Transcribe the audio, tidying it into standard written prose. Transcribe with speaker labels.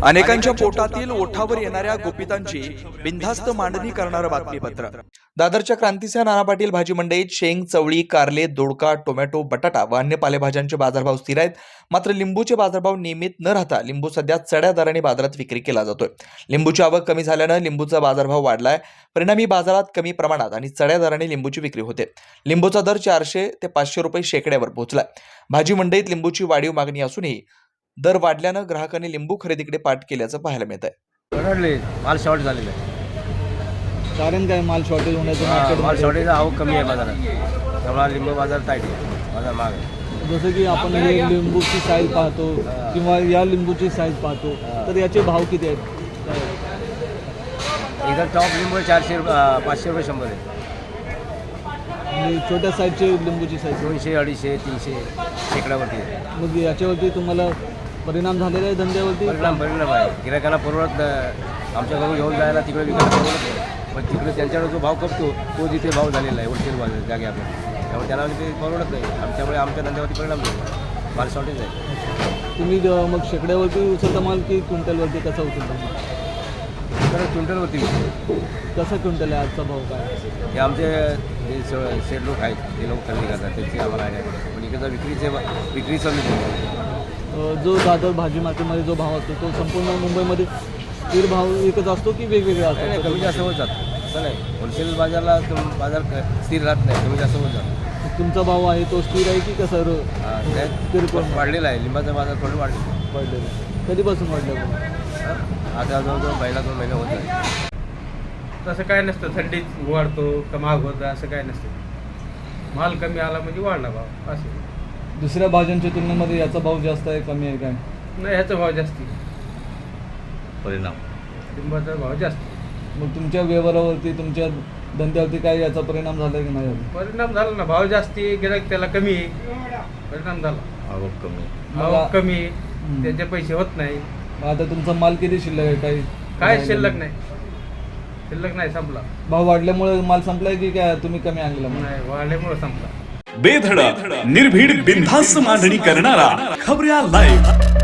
Speaker 1: अनेकांच्या पोटातील ओठावर येणाऱ्या गुपितांची बिनधास्त मांडणी करणारं बातमीपत्र। दादरच्या क्रांतिसिंह नाना पाटील भाजी मंडईत शेंग, चवळी, कारले, दोडका, टोमॅटो, बटाटा व अन्य पालेभाज्यांचे बाजारभाव स्थिर आहेत। मात्र लिंबूचे बाजारभाव नियमित न राहता लिंबू सध्या चढ्या दराने बाजारात विक्री केला जातोय। लिंबूची आवक कमी झाल्याने लिंबूचा बाजारभाव वाढलाय। परिणामी बाजारात कमी प्रमाणात आणि चढ्या दराने लिंबूची विक्री होते। लिंबूचा दर 400 ते 500 रुपये शेकड्यावर पोहोचलाय। भाजी मंडईत लिंबूची वाढीव मागणी असूनही दर वाढल्याने ग्राहकांनी लिंबू खरेदीकडे पाठ केल्याचं पाहायला मिळत आहे।
Speaker 2: माल शॉर्ट झालेला आहे।
Speaker 3: कारण काय माल शॉर्टेज होण्याचं?
Speaker 2: माल शॉर्टेज आवक कमी आहे बाजारात, त्यामुळे लिंबू बाजार टाईट आहे, बाजार महाग आहे।
Speaker 3: जसं की आपण हे लिंबूची साईज पाहतो किंवा या लिंबूची साईज पाहतो, तर याचे भाव किती आहेत?
Speaker 2: इथं टॉप लिंबू 400 500 रुपये 100 आहे।
Speaker 3: आणि छोट्या साईजचे लिंबूची साईज
Speaker 2: 200 250 300 शेकड्यावरती आहे।
Speaker 3: मग याच्यावरती तुम्हाला परिणाम झालेला आहे धंद्यावरती?
Speaker 2: परिणाम आहे। गिरायकांना परवडत आमच्याकडून घेऊन जायला तिकडे विकायला परवडत नाही, पण तिकडे त्यांच्याकडे जो भाव कपतो तो जिथे भाव झालेला आहे होलसेल बाजार जागे आपल्या, त्यामुळे त्यांना ते परवडत नाही। आमच्यामुळे आमच्या धंद्यावरती परिणाम झाला, माल शॉर्टेज आहे।
Speaker 3: तुम्ही मग शेकड्यावरती उचलता माल की क्विंटलवरती कसा उचलता?
Speaker 2: तर क्विंटलवरती
Speaker 3: कसा क्विंटल आहे आजचा भाव काय?
Speaker 2: हे आमचे जे शेड लोक आहेत ते लोक खरेदी करतात, त्याची आम्हाला आयडिया आहे। पण इकडचा विक्रीचा
Speaker 3: जो दादर भाजी मार्केटमध्ये जो भाव असतो तो संपूर्ण मुंबईमध्ये स्थिर भाव एकच असतो की वेगवेगळा असतो?
Speaker 2: नाही, कमी जास्त होत जातं, असं नाही। होलसेल बाजारला बाजार स्थिर राहत नाही, कमी जास्त होत जातं।
Speaker 3: तुमचा भाव आहे तो स्थिर आहे की कसं
Speaker 2: किरकोळ वाढलेला आहे? लिंबाचा बाजार थोडं
Speaker 3: वाढलेलं? कधीपासून वाढलं?
Speaker 2: आता जवळजवळ पहिला 2 महिने होत आहे।
Speaker 4: तसं काय नसतं, थंडीत वाढतो का महाग होतं असं काय नसतं। माल कमी आला म्हणजे वाढला भाव असं।
Speaker 3: दुसऱ्या भाज्यांच्या तुलनेमध्ये याचा भाव जास्त आहे कमी आहे काय?
Speaker 4: नाही, ह्याचा भाव जास्ती,
Speaker 2: परिणाम
Speaker 4: लिंबाचा भाव जास्त।
Speaker 3: मग तुमच्या व्यवहारावरती तुमच्या धंद्यावरती काय याचा परिणाम झाला की नाही?
Speaker 4: परिणाम झाला ना, भाव जास्ती, गिराईक त्याला कमी, परिणाम झाला। आवक कमी, त्याचे पैसे होत नाही।
Speaker 3: आता तुमचा माल किती शिल्लक आहे?
Speaker 4: काय शिल्लक नाही, शिल्लक नाही, संपला।
Speaker 3: भाव वाढल्यामुळे माल संपलाय की काय तुम्ही कमी आणला?
Speaker 4: नाही, वाढल्यामुळे संपला।
Speaker 5: बेधडक निर्भीड बिनधास्त मांडणी करणारा खबऱ्या लाईव्ह।